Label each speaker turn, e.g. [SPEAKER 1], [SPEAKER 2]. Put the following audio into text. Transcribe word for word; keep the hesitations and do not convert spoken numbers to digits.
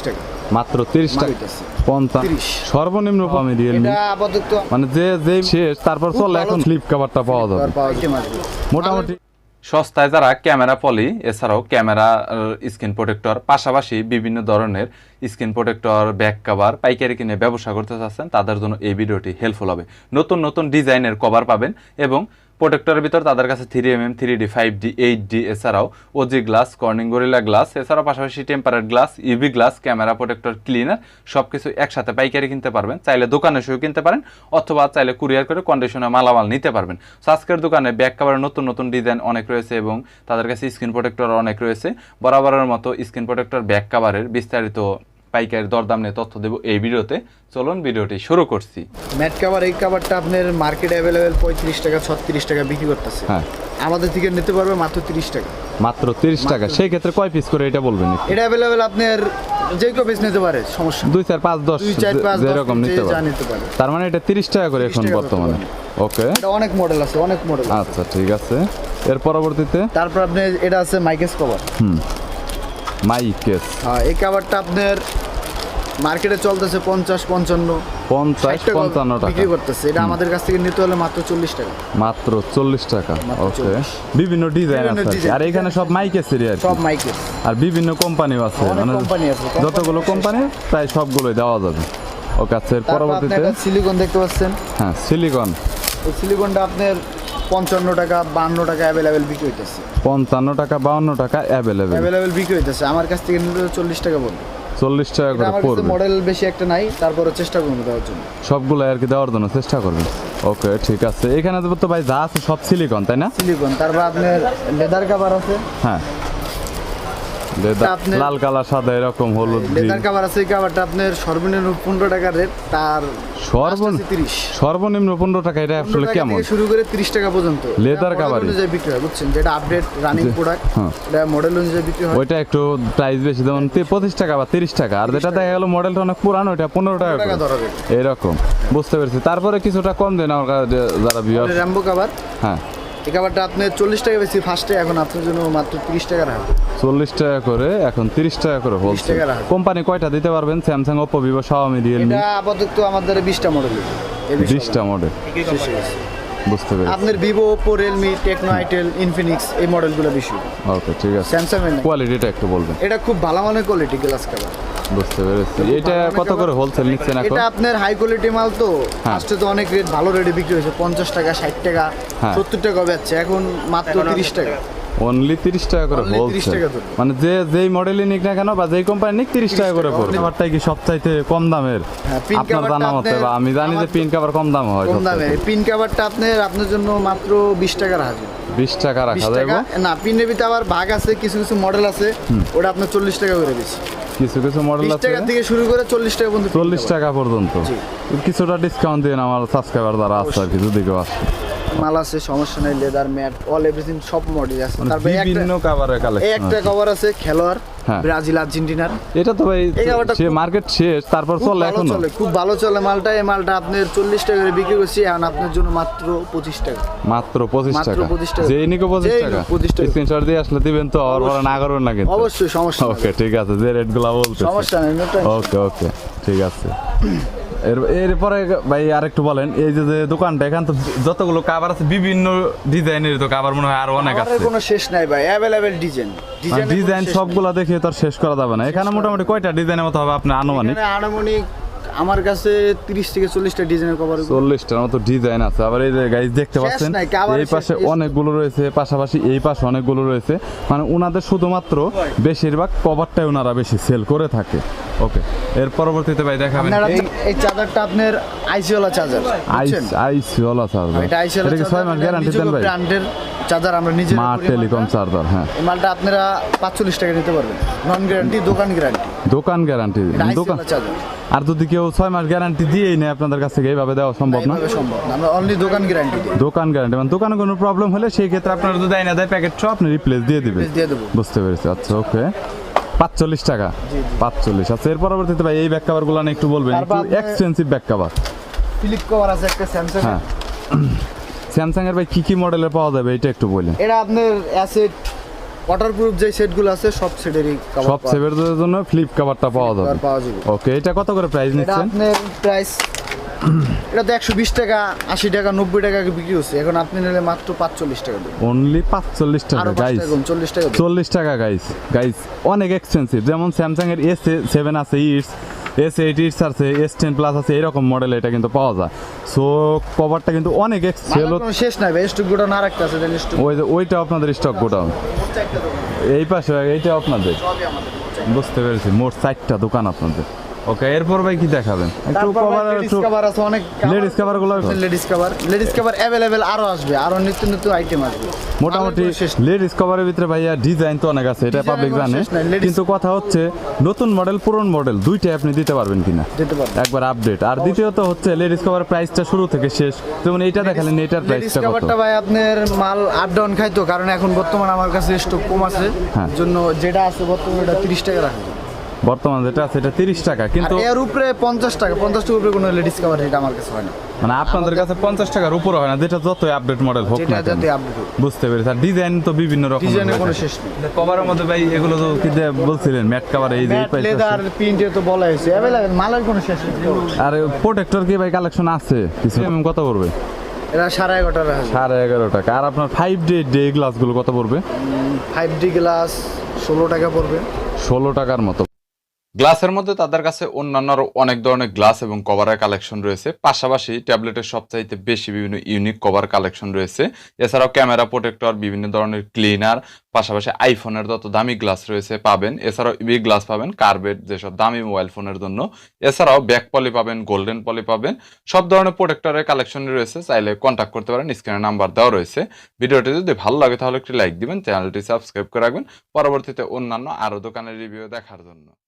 [SPEAKER 1] টাকা,
[SPEAKER 2] মাত্র তিরিশ টাকা, পঞ্চাশ সর্বনিম্ন কমে রিয়েলমি, মানে যে যে শেষ তারপর চলে এখন ফ্লিপ কভারটা পাওয়া যাবে মোটামুটি সস্তায়। যারা ক্যামেরা পলি এছাড়াও ক্যামেরা স্ক্রিন প্রোটেক্টর পাশাপাশি বিভিন্ন ধরনের স্ক্রিন প্রোটেক্টর ব্যাক কভার পাইকারি কিনে ব্যবসা করতে চাচ্ছেন তাদের জন্য এই ভিডিওটি হেল্পফুল হবে। নতুন নতুন ডিজাইনের কভার পাবেন এবং প্রোটেক্টরের ভিতর তাদের কাছে three M M three D five D eight D এছাড়াও OG glass Corning Gorilla glass এছাড়াও পাশাপাশি tempered glass UV glass camera protector cleaner সব কিছু একসাথে পাইকারি কিনতে পারবেন। চাইলে দোকানে এসেও কিনতে পারেন অথবা চাইলে কুরিয়ার করে কন্ডিশনে মালামাল নিতে পারবেন। সো আজকের দোকানে ব্যাক কভারের নতুন নতুন ডিজাইন অনেক রয়েছে এবং তাদের কাছে স্ক্রিন প্রোটেক্টর অনেক রয়েছে। বরাবরের মতো স্ক্রিন প্রোটেক্টর ব্যাক কভারের বিস্তারিত পাইকারি দরদাম নিয়ে তথ্য দেব এই ভিডিওতে। চলুন ভিডিওটি শুরু করছি।
[SPEAKER 1] ম্যাট কভার এই কভারটা আপনার মার্কেটে অ্যাভেলেবেল পঁয়ত্রিশ টাকা ছত্রিশ টাকা বিক্রি করতেছে,
[SPEAKER 2] হ্যাঁ
[SPEAKER 1] আমাদের থেকে নিতে পারবে মাত্র তিরিশ টাকা,
[SPEAKER 2] মাত্র তিরিশ টাকা। সেই ক্ষেত্রে কয় পিস করে এটা বলবেন?
[SPEAKER 1] এটা অ্যাভেলেবেল আপনার যে কেউ পিস নিতে পারে, সমস্যা
[SPEAKER 2] দুই চার পাঁচ দশ
[SPEAKER 1] দুই চার পাঁচ
[SPEAKER 2] যেরকম নিতে পারে
[SPEAKER 1] নিতে পারে।
[SPEAKER 2] তার মানে এটা তিরিশ টাকা করে এখন বর্তমানে। ওকে,
[SPEAKER 1] এটা অনেক মডেল আছে, অনেক মডেল।
[SPEAKER 2] আচ্ছা ঠিক আছে। এর পরবর্তীতে
[SPEAKER 1] তারপর আপনি এটা আছে মাইকেস কভার।
[SPEAKER 2] হুম, মাইকেস,
[SPEAKER 1] হ্যাঁ এই কভারটা আপনার মার্কেটে চলতেছে পঞ্চাশ পঞ্চান্ন
[SPEAKER 2] পঞ্চাশ পঞ্চান্ন টাকা
[SPEAKER 1] বিক্রি করতেছে। এটা আমাদের কাছ থেকে নিতে হলে মাত্র চল্লিশ টাকা,
[SPEAKER 2] মাত্র চল্লিশ টাকা। ওকে, বিভিন্ন ডিজাইন আছে আর এখানে সব মাইকেসেরই আর
[SPEAKER 1] সব মাইকেস
[SPEAKER 2] আর বিভিন্ন কোম্পানিও আছে, মানে
[SPEAKER 1] কোম্পানি আছে,
[SPEAKER 2] যতগুলো কোম্পানি প্রায় সবগুলোই দেওয়া যাবে। ওকে, আচ্ছা এর পরবর্তীতে
[SPEAKER 1] সিলিকন দেখতে পাচ্ছেন।
[SPEAKER 2] হ্যাঁ সিলিকন,
[SPEAKER 1] এই সিলিকনটা আপনার পঞ্চান্ন টাকা বান্ন টাকা অ্যাভেলেবেল বিক্রি হইতেছে,
[SPEAKER 2] পঞ্চান্ন টাকা বাউন্ন টাকা অ্যাভেলেবেল
[SPEAKER 1] অ্যাভেলেবেল বিক্রি হইতেছে। আমার কাছ থেকে নিতে চল্লিশ টাকা বলবো,
[SPEAKER 2] চল্লিশ টাকা করে পড়বে।
[SPEAKER 1] মডেল বেশি একটা নাই, তারপরে চেষ্টা করবো দেওয়ার জন্য,
[SPEAKER 2] সবগুলো আর কি দেওয়ার জন্য চেষ্টা করবেন। ওকে ঠিক আছে। এখানে তো ভাই যা আছে সব সিলিকন তাই না?
[SPEAKER 1] সিলিকন। তারপর আপনার লেদার কভার আছে,
[SPEAKER 2] হ্যাঁ লাল কালার সাদা এরকম হলুদ
[SPEAKER 1] লেদার কভার আছে। এই কভারটা আপনার সর্বনিম্ন পনেরো টাকা রেট, তার
[SPEAKER 2] সর্বনিম্ন
[SPEAKER 1] তিরিশ
[SPEAKER 2] সর্বনিম্ন পনেরো টাকা। এটা আসলে কেমন
[SPEAKER 1] শুরু করে তিরিশ টাকা পর্যন্ত
[SPEAKER 2] লেদার কভার
[SPEAKER 1] অনুযায়ী বিক্রি হয়, বুঝছেন? যেটা আপডেট রানিং প্রোডাক্ট, এটা মডেল অনুযায়ী বিক্রি হয়।
[SPEAKER 2] ওইটা একটু প্রাইস বেশি, যেমন পঁচিশ টাকা বা তিরিশ টাকা। আর যেটা দেখা গেল মডেলটা অনেক পুরানো, ওইটা পনেরো টাকা এরকম, বুঝতে পেরেছি। তারপরে কিছুটা কম দেন আমার কাছে যারা ভিউয়ার।
[SPEAKER 1] র্যাম্বো কভার,
[SPEAKER 2] হ্যাঁ
[SPEAKER 1] এই কভারটা আপনার চল্লিশ টাকা বেশি ফার্স্টে, এখন আপনার জন্য মাত্র তিরিশ টাকা রাখবে।
[SPEAKER 2] চল্লিশ টাকা করে এখন তিরিশ টাকা করে বলছে। কোম্পানি কয়টা দিতে পারবেন? Samsung, Oppo, Vivo, Xiaomi, Realme.
[SPEAKER 1] এটা আপাতত আমাদের বিশটা মডেল,
[SPEAKER 2] বিশটা মডেল, বুঝতে পেরেছি।
[SPEAKER 1] আপনার Vivo, Oppo, Realme, Tecno, itel, Infinix এই মডেলগুলো বেশি।
[SPEAKER 2] ওকে ঠিক আছে।
[SPEAKER 1] স্যামসাং এর
[SPEAKER 2] কোয়ালিটিটা একটু বলবেন।
[SPEAKER 1] এটা খুব ভালো মানের কোয়ালিটি গ্লাস কভার,
[SPEAKER 2] বুঝতে পেরেছি। এটা কত করে হোলসেল নিচ্ছেন এখন?
[SPEAKER 1] এটা আপনার হাই কোয়ালিটি মাল তো, ফার্স্টে তো অনেক রেট ভালো রেটে বিক্রি হয়েছে, পঞ্চাশ টাকা ষাট টাকা সত্তর টাকা বেচছে, এখন মাত্র তিরিশ টাকা,
[SPEAKER 2] অনলি তিরিশ টাকা করে হোলসেল। মানে যে যেই মডেলই নিক না কেন বা যেই কোম্পানি নিক তিরিশ টাকা করে পড়বে। কভারটাই কি সবচাইতে কম দামের আপনার জানা মতে? বা আমি জানি যে পিন কভার কম দাম হয়,
[SPEAKER 1] কম দামে। পিন কভারটা আপনার আপনার জন্য মাত্র বিশ টাকা রাখা যাবে,
[SPEAKER 2] বিশ টাকা রাখা যাবে
[SPEAKER 1] না। পিনের ভিতরে আবার ভাগ আছে, কিছু কিছু মডেল আছে ওটা আপনার চল্লিশ টাকা করে বেশি,
[SPEAKER 2] কিছু কিছু মডেল আছে
[SPEAKER 1] টাকা থেকে শুরু করে চল্লিশ টাকা পর্যন্ত,
[SPEAKER 2] চল্লিশ টাকা পর্যন্ত। কিছুটা ডিসকাউন্ট দিন আমার সাবস্ক্রাইবার যারা আছে আর কি, যদি কেউ আসে।
[SPEAKER 1] মাল আছে, সমস্যা নাই। লেদার, ম্যাট, অল এভরিথিং সব মডেল আছে। তারপরে
[SPEAKER 2] বিভিন্ন কভারের কালেকশন,
[SPEAKER 1] একটা কভার আছে খেলোয়াড় ব্রাজিল আর্জেন্টিনার।
[SPEAKER 2] এটা তো ভাই সে মার্কেট শেষ, তারপর চলে এখন
[SPEAKER 1] চলে, খুব ভালো চলে মালটা। এই মালটা আপনার চল্লিশ টাকা করে বিক্রি করছি, এখন আপনার জন্য মাত্র পঁচিশ টাকা,
[SPEAKER 2] মাত্র পঁচিশ টাকা।
[SPEAKER 1] পঁচিশ টাকা
[SPEAKER 2] যেই নিকো পঁচিশ টাকা। স্ক্রিনশট দিয়ে আসলে দিবেন তো, আর বড় না করবেন না কিন্তু।
[SPEAKER 1] অবশ্যই, সমস্যা নেই।
[SPEAKER 2] ওকে ঠিক আছে, যে রেটগুলো বলতে
[SPEAKER 1] সমস্যা নেই।
[SPEAKER 2] ওকে ওকে ঠিক আছে। এর এরপরে ভাই আরেকটু বলেন, এই যে যে দোকানটা এখান তো যতগুলো কভার আছে বিভিন্ন ডিজাইনের, তো কভার মনে হয় আরো অনেক আছে।
[SPEAKER 1] কোনো শেষ নাই ভাই, অ্যাভেলেবেল ডিজাইন।
[SPEAKER 2] ডিজাইন সবগুলো দেখে তো শেষ করা যাবে না। এখানে মোটামুটি কয়টা ডিজাইনের মতো হবে আপনার আনুমানিক?
[SPEAKER 1] আনুমানিক আমার কাছে তিরিশ থেকে চল্লিশটা ডিজাইনের কভার,
[SPEAKER 2] চল্লিশটার মতো ডিজাইন আছে। আবার এই যে গাইস দেখতে পাচ্ছেন, এই পাশে অনেকগুলো রয়েছে, পাশাপাশি এই পাশে অনেকগুলো রয়েছে। মানে ওনাদের শুধুমাত্র বেশিরভাগ কভারটাই ওনারা বেশি সেল করে থাকে। ওকে, এর পরবর্তীতে ভাই দেখাবেন
[SPEAKER 1] এই চার্জারটা আপনার আইসিওলা চার্জার,
[SPEAKER 2] আইস আইসিওলা চার্জার।
[SPEAKER 1] এটা আইসিওলা
[SPEAKER 2] এটা কি ছয় মাস গ্যারান্টি দেন ভাই?
[SPEAKER 1] ব্র্যান্ডের চার্জার, আমরা নিজে
[SPEAKER 2] স্মার্ট টেলিকম চার্জার। হ্যাঁ,
[SPEAKER 1] এই মালটা আপনারা পাঁচচল্লিশ টাকা নিতে পারবেন, নন গ্যারান্টি, দোকান গ্যারান্টি।
[SPEAKER 2] দোকান গ্যারান্টি, দোকান
[SPEAKER 1] চার্জার।
[SPEAKER 2] আর যদি কেউ ছয় মাস গ্যারান্টি দিয়েই নেয় আপনাদের কাছ থেকে, এইভাবে দেওয়া সম্ভব না?
[SPEAKER 1] সম্ভব না, আমরা অনলি দোকান গ্যারান্টি দিই।
[SPEAKER 2] দোকান গ্যারান্টি মানে দোকানে কোনো প্রবলেম হলে সেই ক্ষেত্রে আপনারা যদি দেয় না দেয় প্যাকেট সব আপনি রিপ্লেস দিয়ে দিবেন।
[SPEAKER 1] দিয়ে দেবো,
[SPEAKER 2] বুঝতে পেরেছি। আচ্ছা ওকে, পাঁচচল্লিশ টাকা, পাঁচচল্লিশ। আচ্ছা এর পরবর্তীতে ভাই এই ব্যাক কভার গুলো একটু বলবেন, একটু expensive back cover.
[SPEAKER 1] Flip cover আছে একটা স্যামসাং।
[SPEAKER 2] হ্যাঁ, স্যামসাং এর ভাই কি কি মডেলের পাওয়া যাবে এটা একটু বলেন।
[SPEAKER 1] এটা আপনার অ্যাসেট ওয়াটারপ্রুফ যে সেটগুলো আছে সব সেটেরই কভার
[SPEAKER 2] সব সেভের জন্য ফ্লিপ কভারটা পাওয়া যাবে
[SPEAKER 1] পাওয়া যাবে।
[SPEAKER 2] ওকে, এটা কত করে প্রাইস
[SPEAKER 1] এটা
[SPEAKER 2] নিচ্ছেন?
[SPEAKER 1] আপনার প্রাইস এটা তো একশো বিশ টাকা আশি টাকা নব্বই টাকা বিক্রি হচ্ছে, এখন আপনি নিলে মাত্র পাঁচচল্লিশ টাকা দেবেন।
[SPEAKER 2] অনলি পাঁচচল্লিশ টাকা
[SPEAKER 1] আরো পাঁচ
[SPEAKER 2] গাইস,
[SPEAKER 1] টাকা কম, চল্লিশ টাকা দেবেন।
[SPEAKER 2] চল্লিশ টাকা গাইস। গাইস অনেক এক্সপেন্সিভ, যেমন স্যামসাং এর এস সেভেন আছে, ইটস এস এইট ইটস আছে, এস টেন প্লাস আছে, এরকম মডেল এটা কিন্তু পাওয়া যায়। সো কভারটা কিন্তু অনেক এক্সেল।
[SPEAKER 1] মালার কোনো শেষ নাই ভাই, স্টক গোডাউন আর একটা আছে, দেন স্টক
[SPEAKER 2] ওই যে ওইটা আপনাদের স্টক গোডাউন, এই পাশে এইটা আপনাদের,
[SPEAKER 1] সবই আমাদের।
[SPEAKER 2] বুঝতে পেরেছি, মোট চারটা দোকান আপনাদের। ওকে, এরপর ভাই কি দেখাবেন? একটু
[SPEAKER 1] তারপর
[SPEAKER 2] কভার,
[SPEAKER 1] লেডিস
[SPEAKER 2] একটু
[SPEAKER 1] কভার আছে অনেক,
[SPEAKER 2] লেডিস কভার গুলো
[SPEAKER 1] ladies cover ladies cover available আরো আসবে, আরো নিত্য নতুন আইটেম আসবে।
[SPEAKER 2] মোটামুটি
[SPEAKER 1] মালের কোনো শেষ নেই।
[SPEAKER 2] লেডিস কভারের ভিতরে ভাইয়া ডিজাইন তো অনেক আছে, এটা
[SPEAKER 1] Design
[SPEAKER 2] পাবলিক
[SPEAKER 1] এর কোনো
[SPEAKER 2] জানে,
[SPEAKER 1] শেষ নাই, ladies-
[SPEAKER 2] কিন্তু কথা হচ্ছে নতুন মডেল পুরনো মডেল দুইটাই আপনি দিতে পারবেন কিনা
[SPEAKER 1] দিতে পারবো।
[SPEAKER 2] একবার আপডেট। আর দ্বিতীয়ত হচ্ছে লেডিস কভার প্রাইসটা শুরু থেকে শেষ, যেমন এইটা দেখালেন, এটার
[SPEAKER 1] লেডিস
[SPEAKER 2] প্রাইসটা কত?
[SPEAKER 1] কভারটা ভাই আপনার মাল আপ ডাউন খাইতো, কারণ এখন বর্তমানে আমার কাছে স্টক কম আছে,
[SPEAKER 2] হ্যাঁ।
[SPEAKER 1] জন্য যেটা আছে বর্তমানে এটা তিরিশ টাকা রাখা যায়।
[SPEAKER 2] বর্তমান যেটা আছে এটা তিরিশ টাকা,
[SPEAKER 1] আর
[SPEAKER 2] কিন্তু
[SPEAKER 1] এর উপরে পঞ্চাশ টাকা, পঞ্চাশ টাকার উপরে কোনো লেডিস কভার এটা আমার কাছে হয় না,
[SPEAKER 2] মানে আপনাদের কাছে পঞ্চাশ টাকার উপরে হয় না, যেটা যতই আপডেট মডেল হোক
[SPEAKER 1] যেটা
[SPEAKER 2] না কেন।
[SPEAKER 1] যাতে আপডেট
[SPEAKER 2] বুঝতে পেরেছি। আর ডিজাইন তো বিভিন্ন রকম,
[SPEAKER 1] ডিজাইনের কোনো শেষ নেই।
[SPEAKER 2] কভারের মধ্যে ভাই এগুলো তো কি দিয়ে বলছিলেন, ম্যাট কভার, এই যে এই
[SPEAKER 1] ম্যাট
[SPEAKER 2] price
[SPEAKER 1] লেদার
[SPEAKER 2] আছে।
[SPEAKER 1] প্রিন্টে তো বলা হয়েছে অ্যাভেলেবেল, মালের কোনো শেষ নেই।
[SPEAKER 2] আর প্রোটেক্টর কি ভাই কালেকশন আছে কিছু? এমএম কত পড়বে?
[SPEAKER 1] এটা সাড়ে এগারোটা রাখা যায়।
[SPEAKER 2] সাড়ে এগারো টাকা। আর আপনার ফাইভ ডে ডে গ্লাসগুলো কত পড়বে?
[SPEAKER 1] ফাইভ ডি গ্লাস ষোলো টাকা পড়বে।
[SPEAKER 2] ষোলো টাকার মতো। গ্লাসের মধ্যে তাদের কাছে অন্যান্য আরো অনেক ধরনের গ্লাস এবং কভারের কালেকশন রয়েছে, পাশাপাশি ট্যাবলেটের সবচাইতে বেশি বিভিন্ন ইউনিক কভার কালেকশন রয়েছে। এছাড়াও ক্যামেরা প্রোটেক্টর, বিভিন্ন ধরনের ক্লিনার, পাশাপাশি আইফোনের যত দামি গ্লাস রয়েছে পাবেন। এছাড়াও ইবি গ্লাস পাবেন, কার্বেট যেসব দামি মোবাইল ফোনের জন্য। এছাড়াও ব্যাক পলি পাবেন, গোল্ডেন পলি পাবেন, সব ধরনের প্রোটেক্টরের কালেকশন রয়েছে। চাইলে কন্ট্যাক্ট করতে পারেন, স্ক্রিনে নাম্বার দেওয়া রয়েছে। ভিডিওটি যদি ভালো লাগে তাহলে একটি লাইক দিবেন, চ্যানেলটি সাবস্ক্রাইব করে রাখবেন পরবর্তীতে অন্যান্য আরো দোকানের রিভিউ দেখার জন্য।